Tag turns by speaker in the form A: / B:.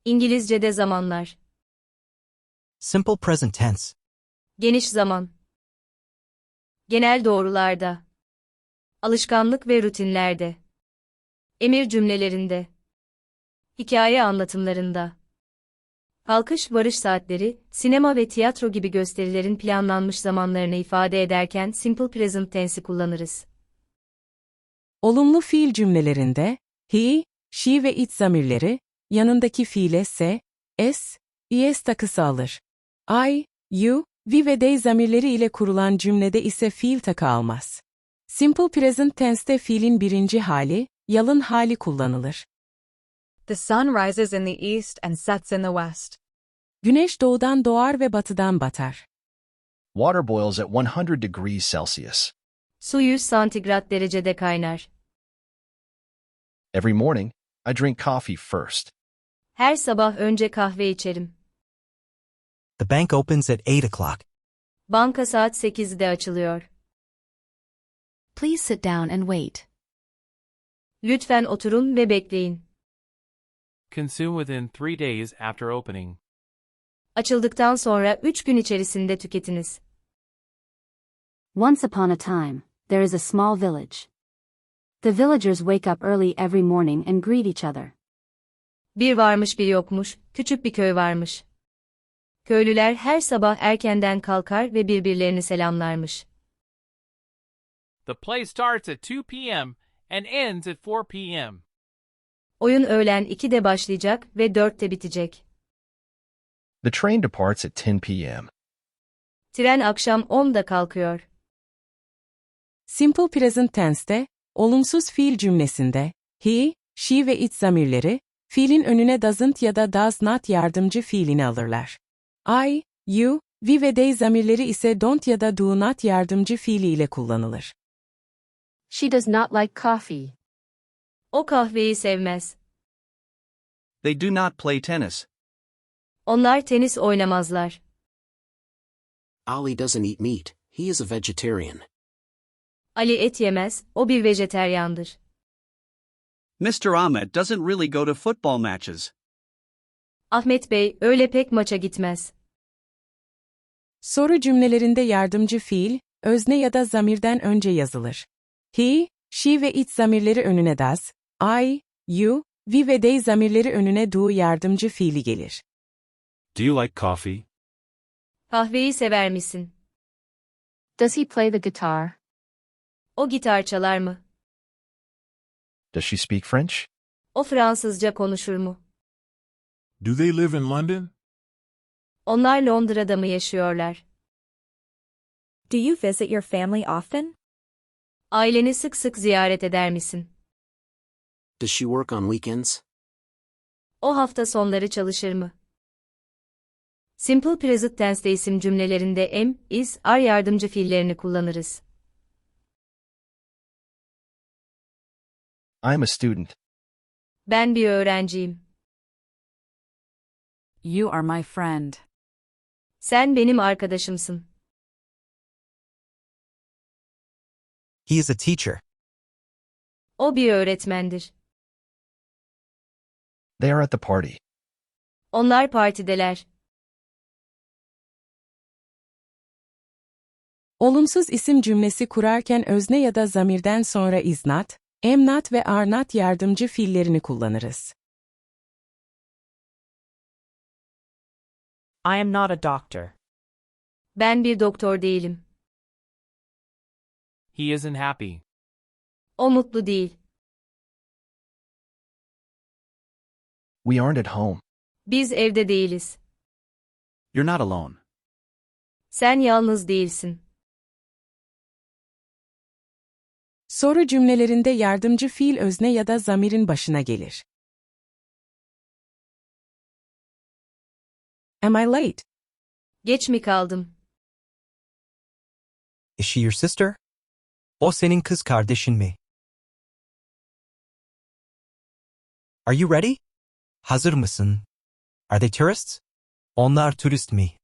A: İngilizce'de zamanlar.
B: Simple present tense.
A: Geniş zaman. Genel doğrularda. Alışkanlık ve rutinlerde. Emir cümlelerinde. Hikaye anlatımlarında. Kalkış varış saatleri, sinema ve tiyatro gibi gösterilerin planlanmış zamanlarını ifade ederken simple present tense'i kullanırız.
C: Olumlu fiil cümlelerinde, he, she ve it zamirleri, yanındaki fiile s, s, es takısı alır. I, you, we ve they zamirleri ile kurulan cümlede ise fiil takı almaz. Simple present tense'te fiilin birinci hali, yalın hali kullanılır.
D: The sun rises in the east and sets in the west.
C: Güneş doğudan doğar ve batıdan batar.
E: Water boils at 100 degrees Celsius.
A: Su 100 santigrat derecede kaynar.
E: Every morning, I drink coffee first.
A: Her sabah önce kahve içerim.
B: The bank opens at 8 o'clock.
A: Banka saat 8'de açılıyor.
F: Please sit down and wait.
A: Lütfen oturun ve bekleyin.
G: Consume within 3 days after opening.
A: Açıldıktan sonra 3 gün içerisinde tüketiniz.
F: Once upon a time, there is a small village. The villagers wake up early every morning and greet each other.
A: Bir varmış bir yokmuş, küçük bir köy varmış. Köylüler her sabah erkenden kalkar ve birbirlerini selamlarmış.
G: The play starts at 2 p.m. and ends at 4 p.m.
A: Oyun öğlen 2'de başlayacak ve 4'te bitecek.
E: The train departs at 10 p.m.
A: Tren akşam 10'da kalkıyor.
C: Simple present tense'te, olumsuz fiil cümlesinde, he, she ve it zamirleri, fiilin önüne doesn't ya da does not yardımcı fiilini alırlar. I, you, we ve they zamirleri ise don't ya da do not yardımcı fiili ile kullanılır.
F: She does not like coffee.
A: O kahveyi sevmez.
H: They do not play tennis.
A: Onlar tenis oynamazlar.
I: Ali doesn't eat meat, he is a vegetarian.
A: Ali et yemez, o bir vejeteryandır.
H: Mr. Ahmed doesn't really go to football matches.
A: Ahmet Bey öyle pek maça gitmez.
C: Soru cümlelerinde yardımcı fiil, özne ya da zamirden önce yazılır. He, she ve it zamirleri önüne does, I, you, we ve they zamirleri önüne do yardımcı fiili gelir.
J: Do you like coffee?
A: Kahveyi sever misin?
F: Does he play the guitar?
A: O gitar çalar mı?
E: Does she speak French?
A: O Fransızca konuşur mu?
J: Do they live in London?
A: Onlar Londra'da mı yaşıyorlar?
D: Do you visit your family often?
A: Aileni sık sık ziyaret eder misin?
I: Does she work on weekends?
A: O hafta sonları çalışır mı? Simple present tense'de isim cümlelerinde am, is, are yardımcı fiillerini kullanırız.
E: I'm a student.
A: Ben bir öğrenciyim.
D: You are my friend.
A: Sen benim arkadaşımsın.
B: He is a teacher.
A: O bir öğretmendir.
E: They are at the party.
A: Onlar partideler.
C: Olumsuz isim cümlesi kurarken özne ya da zamirden sonra is not, am not ve are not yardımcı fiillerini kullanırız.
D: I am not a doctor.
A: Ben bir doktor değilim.
G: He isn't happy.
A: O mutlu değil.
E: We aren't at home.
A: Biz evde değiliz.
H: You're not alone.
A: Sen yalnız değilsin.
C: Soru cümlelerinde yardımcı fiil özne ya da zamirin başına gelir. Am I late?
A: Geç mi kaldım?
B: Is she your sister? O senin kız kardeşin mi? Are you ready? Hazır mısın? Are they tourists? Onlar turist mi?